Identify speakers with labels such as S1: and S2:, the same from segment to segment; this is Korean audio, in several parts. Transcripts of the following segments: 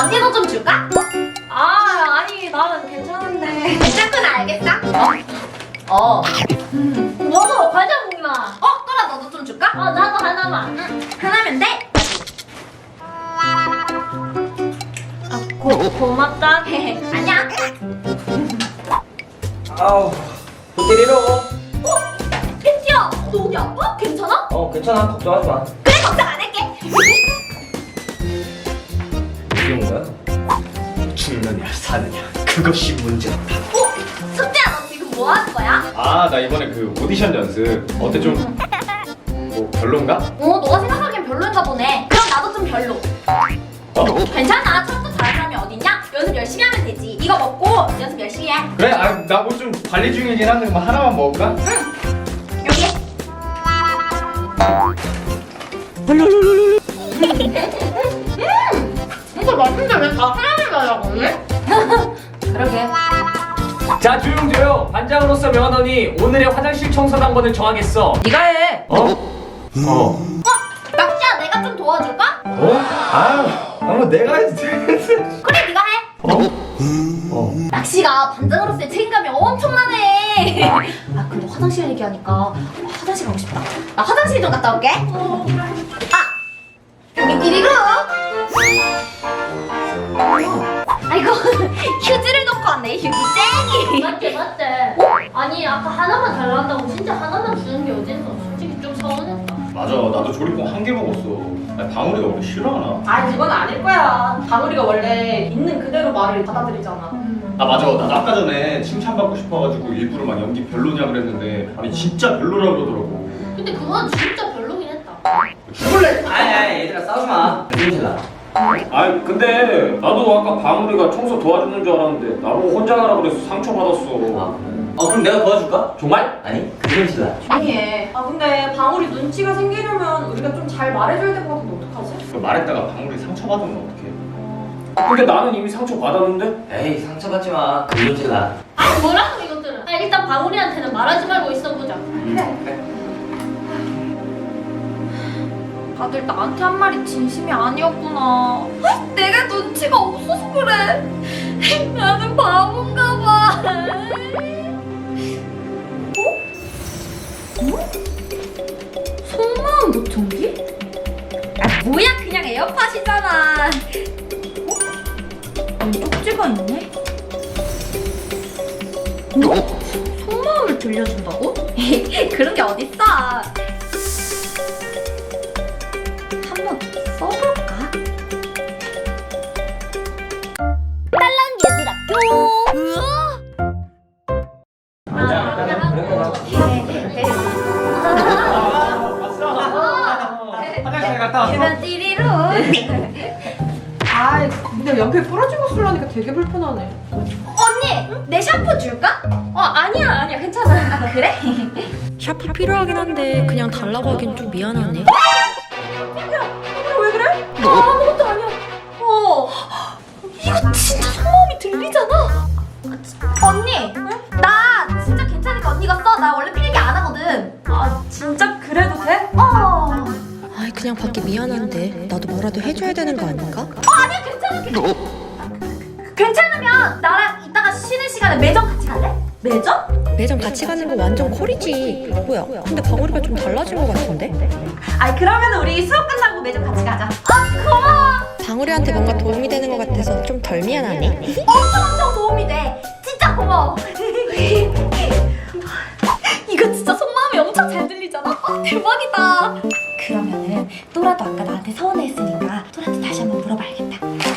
S1: 언니도 좀 줄까?
S2: 아니 나는 괜찮은데.
S1: 괜찮구나, 알겠어?
S2: 너도 과자 먹나?
S1: 또라 너도 좀 줄까?
S2: 나도 하나만.
S1: 하나면 돼?
S2: 고맙다.
S1: 아니야.
S3: 아우, 또 때리러.
S1: 혜지야, 너 어디 아파? 괜찮아?
S3: 괜찮아. 걱정하지 마.
S1: 그래, 걱정 안 할게.
S3: 이게 뭔가? 죽느냐 사느냐 그것이 문제다.
S1: 숙제야, 너 지금 뭐 하는 거야?
S3: 아, 나 이번에 그 오디션 연습 어때? 좀 뭐 별론가?
S1: 너가 생각하기엔 별로인가 보네. 그럼 나도 좀 별로. 괜찮아, 처음부터 잘하는 사람이 어딨냐? 연습 열심히 하면 되지. 이거 먹고 연습 열심히 해.
S3: 그래, 나 뭐 좀 관리 중이긴 한데 뭐 하나만 먹을까?
S1: 여기. 이거 맛있는데 왜 다 하나만 달라고 하네? 그러게.
S4: 자, 조용. 반장으로서 명하노니 오늘의 화장실 청소 당번을 정하겠어.
S2: 네가 해.
S1: 낙지야, 내가 좀 도와줄까?
S3: 뭐 내가 해도 돼.
S1: 그래, 네가 해. 낙시가 반장으로서의 책임감이 엄청나네. 근데 화장실 얘기하니까 화장실 가고 싶다. 나 화장실 좀 갔다 올게. 여기 띠리루. 아이고, 휴지를 놓고 왔네. 휴지 쟁이.
S2: 맞대. 아니 아까 하나만 달라한다고 진짜 하나만 주는 게 어딨어. 솔직히 좀 서운했다.
S3: 맞아, 나도 조리봉 한 개 먹었어. 방울이가 원래 싫어하나?
S2: 그건 아닐 거야. 방울이가 원래 있는 그대로 말을 받아들이잖아.
S3: 맞아, 나도 아까 전에 칭찬받고 싶어가지고 일부러 막 연기 별로냐 그랬는데 아니 진짜 별로라고 그러더라고.
S2: 근데 그건 진짜 별로긴 했다.
S3: 죽을래?
S5: 아니 얘들아 싸우지 마. 힘들라.
S4: 근데 나도 아까 방울이가 청소 도와주는 줄 알았는데 나보고 혼자 가라 그래서 상처받았어.
S5: 그럼 내가 도와줄까?
S4: 정말?
S5: 아니 그건 싫라.
S2: 조용히 해. 근데 방울이 눈치가 생기려면 우리가 좀 잘 말해줘야 될 것 같은데 어떡하지?
S3: 말했다가 방울이 상처받으면 어떡해?
S4: 근데 나는 이미 상처받았는데?
S5: 에이 상처받지 마. 그건 싫라.
S2: 뭐라고 이것들은? 일단 방울이한테는 말하지 말고 있어보자.
S5: 그래.
S1: 다들 나한테 한 말이 진심이 아니었구나. 내가 눈치가 없어서 그래. 나는 바본가 봐. 속마음 보청기? 뭐야, 그냥 에어팟이잖아. 쪽지가 있네? 속마음을 들려준다고? 그런 게 어딨어. 한번 써볼까? 딸랑 얘들아
S3: 화장실 갔다 왔어?
S1: 그만 띠리로.
S2: 근데 연필 부러진 거 쓰려니까 되게 불편하네.
S1: 언니, 내 샴푸 줄까?
S2: 아니야 괜찮아.
S1: 그래?
S6: 샤프 필요하긴 한데 그냥 달라고 하긴 좀 미안하네.
S2: 왜 그래?
S1: 아무것도 아니야. 이거 진짜 속마음이 들리잖아. 언니, 나 진짜 괜찮으니까 언니가 써. 나 원래 필기 안 하거든.
S2: 진짜 그래도 돼?
S6: 아이 그냥 받기 미안한데 나도 뭐라도 해줘야 되는 거 아닌가?
S1: 아니야, 괜찮아. 괜찮으면 나랑 이따가 쉬는 시간에 매점 같이 갈래? 매점?
S6: 매점 같이 가는 거 완전 콜이지. 뭐야? 근데 방울이가 좀 달라진 거 같은데?
S1: 그러면 우리 수업 끝나고 매점 같이 가자. 고마워.
S6: 방울이한테 뭔가 도움이 되는 거 같아서 좀 덜 미안하네.
S1: 엄청 도움이 돼. 진짜 고마워. 이거 진짜 속마음이 엄청 잘 들리잖아. 대박이다. 그러면은 또라도 아까 나한테 서운해했으니까 또라한테 다시 한번 물어봐야겠다.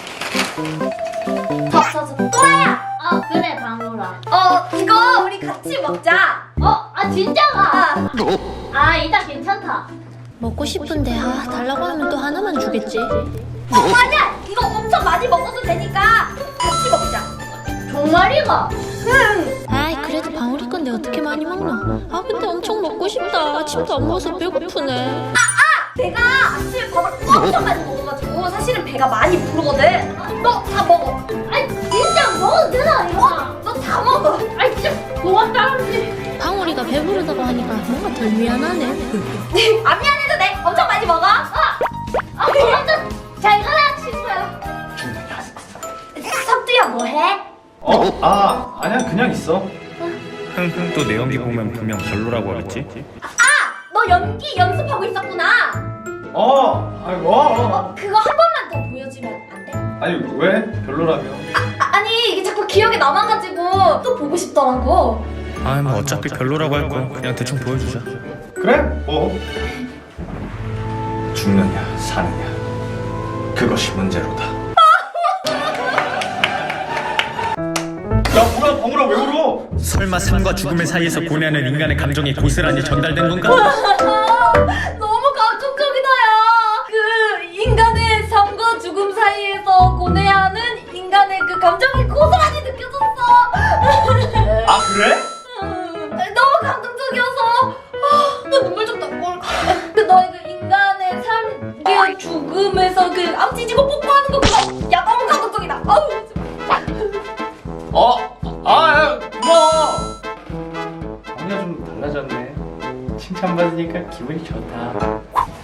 S1: 또라야.
S2: 그래 방울아.
S1: 이거 우리 같이 먹자.
S2: 진짜가? 이따 괜찮다.
S6: 먹고 싶은데 달라고 하면 또 하나만 주겠지.
S1: 맞아. 이거 엄청 많이 먹어도 되니까 같이 먹자.
S2: 정말이가?
S6: 아이 그래도 방울이 건데 어떻게 많이 먹노? 근데 엄청 먹고 싶다. 아침도 안 먹어서 배고프네.
S1: 내가 아침에 밥을 엄청 많이 먹어가지고 사실은 배가 많이 부르거든. 너 다 먹어.
S2: 진짜 먹어도 되나 이거?
S1: 너 다 먹어.
S2: 진짜 고맙다.
S6: 방울이가 배부르다고 하니까 뭔가 덜 미안하네.
S1: 안 미안해도 돼. 엄청 많이 먹어.
S2: 고맙다. 잘 가라 친구야.
S3: 아니야 그냥 있어.
S4: 흥흥 또 내 연기 보면 분명 별로라고 하겠지?
S1: 너 연기 연습하고 있었구나. 그거 한 번만 더 보여주면 안 돼?
S3: 아니 왜? 별로라며.
S1: 아니 이게 자꾸 기억에 남아가지고 또 보고 싶더라고.
S4: 아이 뭐 어차피 별로라고 할 거 그냥 대충 보여주자.
S3: 그래? 뭐? 죽느냐 사느냐 그것이 문제로다. 야 뭐야 방울아 왜 울어?
S4: 설마 삶과 죽음의 사이에서 고뇌하는 인간의 감정이 고스란히 전달된 건가?
S1: 너무 감동적이다야. 그 인간의 삶과 죽음 사이에서 고뇌하는 인간의 그 감정이 고스란히 느껴졌어.
S3: 아 그래?
S1: 너무 감동적이어서 나 눈물 좀 닦고 올 거야. 그 너의 그 인간의 삶과 죽음에서 그 암 찢고 뽀뽀하는 거 그거 야 너무 감동적이다. 아우.
S3: 야 고마워. 방울아 좀 달라졌네. 칭찬받으니까 기분이 좋다.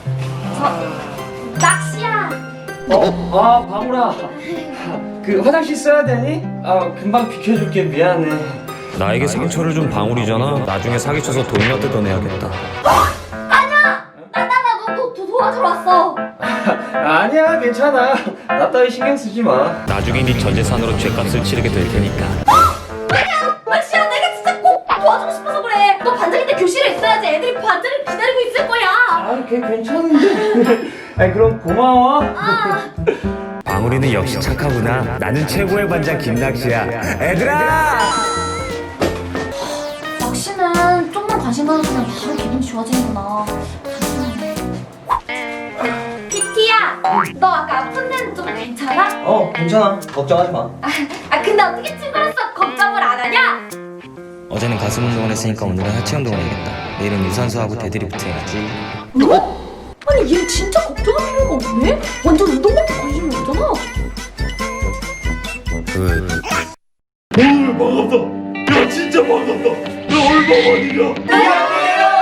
S1: 낚시야.
S5: 방울아. 그 화장실 써야 되니? 금방 비켜줄게. 미안해.
S4: 나에게 상처를 준 방울이잖아. 나중에 사기쳐서 돈이나 뜯어내야겠다.
S1: 너 도와주러 왔어.
S5: 아니야, 괜찮아. 나 따위 신경 쓰지 마.
S4: 나중에 네 전재산으로 죄값을 치르게 될 테니까.
S1: 낚시야 내가 진짜 꼭 도와주고 싶어서 그래. 너 반장일 때 교실에 있어야지 애들이 반장을 기다리고 있을 거야.
S5: 걔 괜찮은데. 그럼 고마워.
S4: 방울이는 역시 착하구나. 나는 최고의 반장 김낚시야. 애들아!
S1: 낚시는 좀만 관심 가져주면 바로 기분이 좋아지는구나. 피티야, 너 아까 아픈 데는 좀 괜찮아?
S5: 괜찮아. 걱정하지 마.
S1: 근데 어떻게 친구로서 걱정을 안 하냐?
S7: 어제는 가슴 운동을 했으니까 오늘은 하체 운동을 해야겠다. 내일은 유산소하고 데드리프트 해야지.
S1: 아니 얘 진짜 걱정할 필요가 없네? 완전 운동밖에 관심이 없잖아.
S3: 반갑다. 야 진짜 반갑다. 야 얼마만이냐?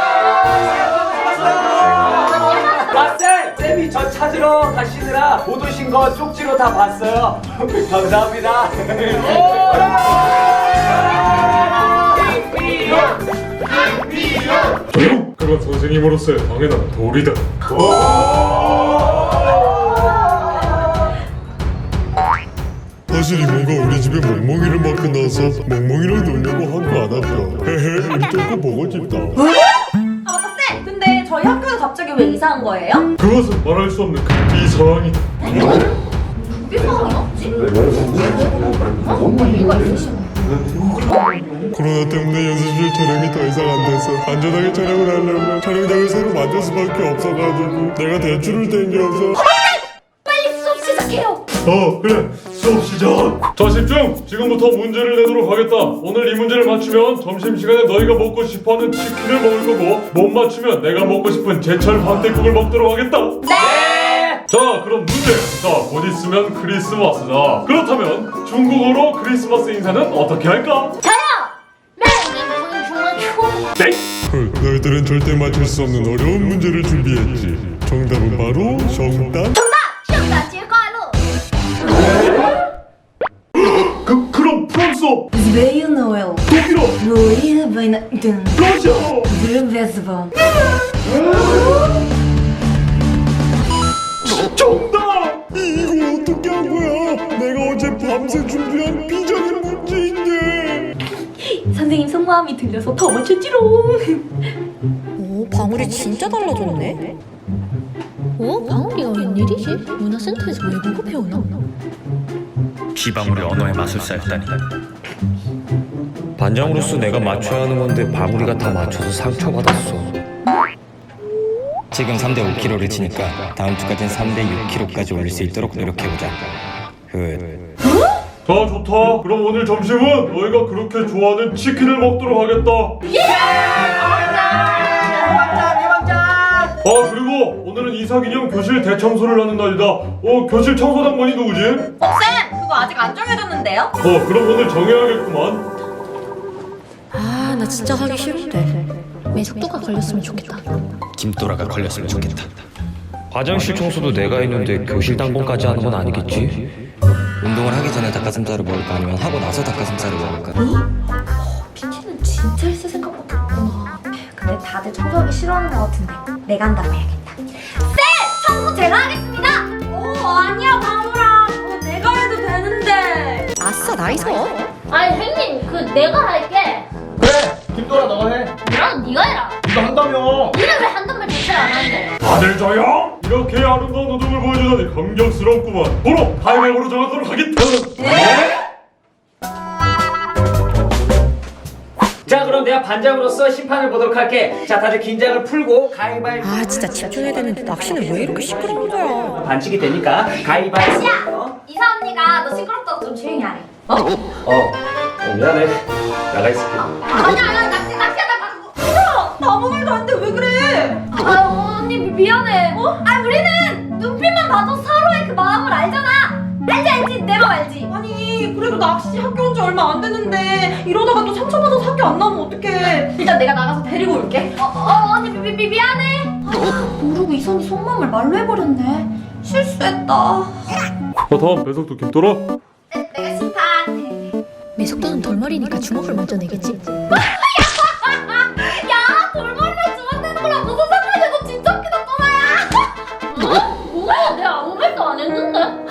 S5: 쌤이 저 찾으러 가시느라 못 오신 거 쪽지로 다 봤어요. 감사합니다.
S8: 조용! 그건 선생님으로서의 당연한 도리다. 사실 이모가 우리 집에 멍멍이를 맡고 나서 멍멍이를 놀려고 한 거 안 왔다. 헤헤, 우리 조금 보고 싶다.
S1: 맞다 쌤! 근데 저희 학교는 갑자기 왜 이사한 거예요?
S8: 그것은 말할 수 없는 이 상황이다.
S1: 그게 상황이 없지? 이유가 있으시네.
S8: 코로나 때문에 연습실 촬영이 더 이상 안 돼서 안전하게 촬영을 하려고 촬영장을 새로 만들 수밖에 없어가지고 내가 대출을 땡겨서
S1: 빨리 수업 시작해요!
S8: 그래 수업 시작. 자 집중. 지금부터 문제를 내도록 하겠다. 오늘 이 문제를 맞추면 점심시간에 너희가 먹고 싶어하는 치킨을 먹을 거고 못 맞추면 내가 먹고 싶은 제철 황태국을 먹도록 하겠다. 네. 자 그럼 문제. 곧 있으면 크리스마스다. 그렇다면 중국어로 크리스마스 인사는 어떻게 할까? 네? 너희들은 절대 맞출 수 없는 어려운 문제를 준비했지. 정답은 바로 정답. 그럼 프랑스어,
S1: Zveio Noel,
S8: 독일어,
S1: Ruia Vainadun,
S8: 러시아어.
S1: Zvezdvan.
S8: 정답! 이걸 어떻게 한 거야? 내가 어제 밤새 준비한 비장의 문제인데.
S1: 선생님 속마음이 들려서 더 맞췄지롱.
S6: 오, 방울이 진짜 달라졌네. 방울이가 웬일이지? 문화센터에서 외국어 배우나?
S4: 비방울이 언어의 마술사였다니. 반장으로서 내가 맞춰야 하는 건데 방울이가 다 맞춰서 상처받았어.
S7: 지금 3대 5kg를 치니까 다음 주까지는 3대 6kg까지 올릴 수 있도록 노력해보자.
S8: 자 좋다. 그럼 오늘 점심은 너희가 그렇게 좋아하는 치킨을 먹도록 하겠다. 그리고 오늘은 이사기념 교실 대청소를 하는 날이다. 교실 청소당번이 누구지?
S1: 쌤! 그거 아직 안 정해졌는데요?
S8: 그럼 오늘 정해야겠구만.
S6: 나 진짜 하기 싫은데. 매석도가 걸렸으면 좋겠다.
S7: 김도라가 걸렸으면 좋겠다.
S4: 화장실 청소도 내가 했는데 교실 당번까지 하는 건 아니겠지?
S7: 운동을 하기 전에 닭가슴살을 먹을까 아니면 하고 나서 닭가슴살을 먹을까?
S1: 피치는 진짜 있을 생각밖에 없구나. 근데 다들 청소하기 싫어하는 것 같은데 내가 한다고 해야겠다. 쌤! 청소 제가 하겠습니다! 아니야 바보라. 내가 해도 되는데.
S6: 아싸 나이스.
S2: 아니 형님 그 내가 할게.
S3: 그래 김도라 너가 해.
S2: 나는 네가 해라.
S3: 이거 한다며.
S2: 니는 왜 한단 말 자체를 안 하는데?
S8: 다들 조용! 이렇게 아름다운 노동을 보여주다니 감격스럽구만. 도로 가위바위보로 정하도록 하겠다.
S5: 자, 그럼 내가 반장으로서 심판을 보도록 할게. 자, 다들 긴장을 풀고 가위바위보.
S6: 아 진짜 집중해야 되는데 낚시는 왜 이렇게 시끄러운 거야?
S5: 반칙이 되니까 가위바위보.
S1: 야! 이사 언니가 너 시끄럽다고 좀 조용히 하래.
S5: 미안해. 나가 있을게.
S1: 아니야 낚시하다 나 아무 말도 안 돼. 왜 그래? 아유 언니 미안해. 아 우리는 눈빛만 봐도 서로의 그 마음을 알잖아. 알지 내 맘 알지?
S9: 아니 그래도 낚시 학교 온 지 얼마 안 됐는데 이러다가 또 상처받아서 학교 안 나오면 어떡해.
S1: 일단 내가 나가서 데리고 올게. 언니 미안해. 모르고 이선이 속마음을 말로 해버렸네. 실수했다.
S8: 다음 배석도 김도라.
S1: 내가 심판.
S6: 매석도는 돌머리니까 주먹을 먼저 내겠지.
S1: 야 돌머리랑 주먹 내는 거랑 무슨 상관이야. 너 진짜 웃기다 또라야.
S2: 뭐야 내가 아무 말도 안 했는데?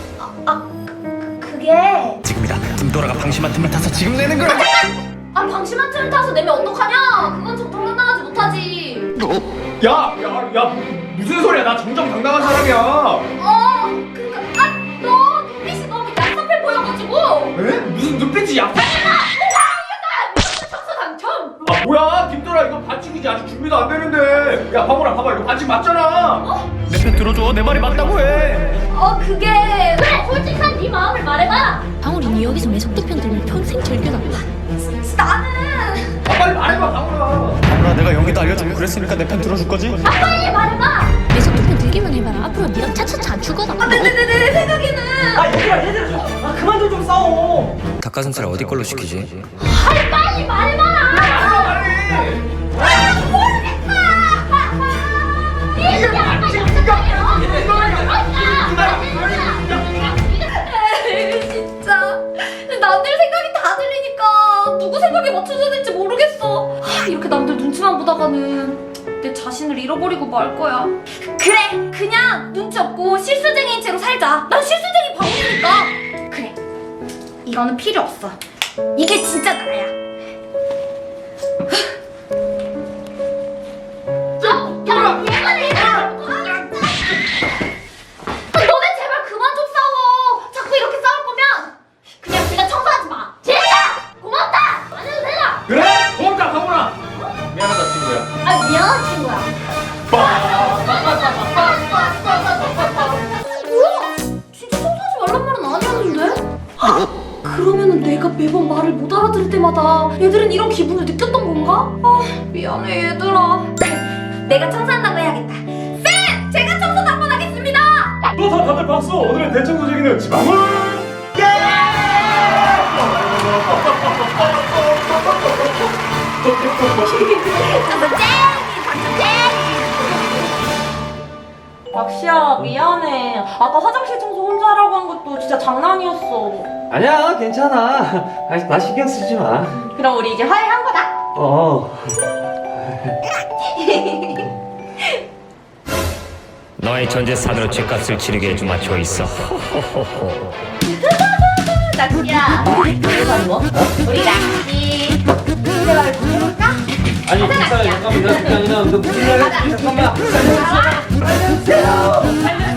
S1: 그게
S7: 지금이다. 김도라가 방심한 틈을 타서 지금 내는 거야.
S1: 방심한 틀을 타서 내면 어떡하냐. 그건 정정당당하지 못하지.
S3: 야 무슨 소리야? 나 정정당당한 사람이야.
S1: 그니까 너 눈빛이 너무 얍삽해 보여가지고.
S3: 에? 무슨 눈빛이 야?
S1: 청소 당첨.
S3: 아 뭐야 김도라 이거 반칙이지. 아직 준비도 안 되는데. 야 봐보라 봐봐 이거 반칙 맞잖아. 내 편 들어줘. 내 말이 맞다고 해.
S1: 그게
S2: 그래 솔직한 네 마음을 말해봐.
S6: 방울이 니 여기서 매석도 편 들면 평생 즐겨라.
S1: 나는
S3: 빨리 말해봐 봐보라.
S7: 아무나 내가 연기도 알려주고 그랬으니까 내 편 들어줄 거지?
S2: 빨리 말해봐.
S6: 매석도 편 들기만 해봐라. 앞으로 니랑 차차차 안 죽어라.
S1: 내 생각에는
S5: 얘들아, 그만들 좀 싸워.
S7: 닭가슴살 어디 걸로 시키지?
S2: 빨리 말해봐라.
S1: 진짜 남들 생각이 다 들리니까 누구 생각에 맞춰줘야 될지 모르겠어. 이렇게 남들 눈치만 보다가는 내 자신을 잃어버리고 말 거야. 그래 그냥 눈치 없고 실수쟁이인 채로 살자. 난 실수쟁이 방울이니까. 그래 이거는 필요 없어. 이게 진짜 나야. 너네 제발 그만 좀 싸워. 자꾸 이렇게 싸울 거면 그냥 청소하지 마.
S2: 진짜 고맙다. 안 해도 되나?
S3: 그래? 고맙다 방울아. 미안하다 친구야.
S2: 미안한 친구야.
S1: 뭐야? 진짜 청소하지 말란 말은 아니었는데? 그러면은 내가 매번 말을 못 알아들을 때마다 얘들은 이런 기분을 느꼈던 건가? 미안해 얘들아. 내가 청소한다고 해야겠다. 쌤! 제가 청소 한번 하겠습니다.
S8: 또 다들 박수. 오늘의 대청소쟁이는 지방울.
S9: 낚시야 미안해. 아까 화장실 청소 혼자 하라고 한 것도 진짜 장난이었어.
S5: 아니야, 괜찮아. 나 신경 쓰지 마.
S9: 그럼 우리 이제 화해한 거다.
S7: 너의 전재산으로 죗값을 치르게 해주마 초있어.
S1: 낚시야. 우리 낚시. 대화를 좀 해볼까?
S5: 아니, 괜찮아. 잠깐만. 너 무슨 말 했지? 잠깐만.
S1: 살려주세요.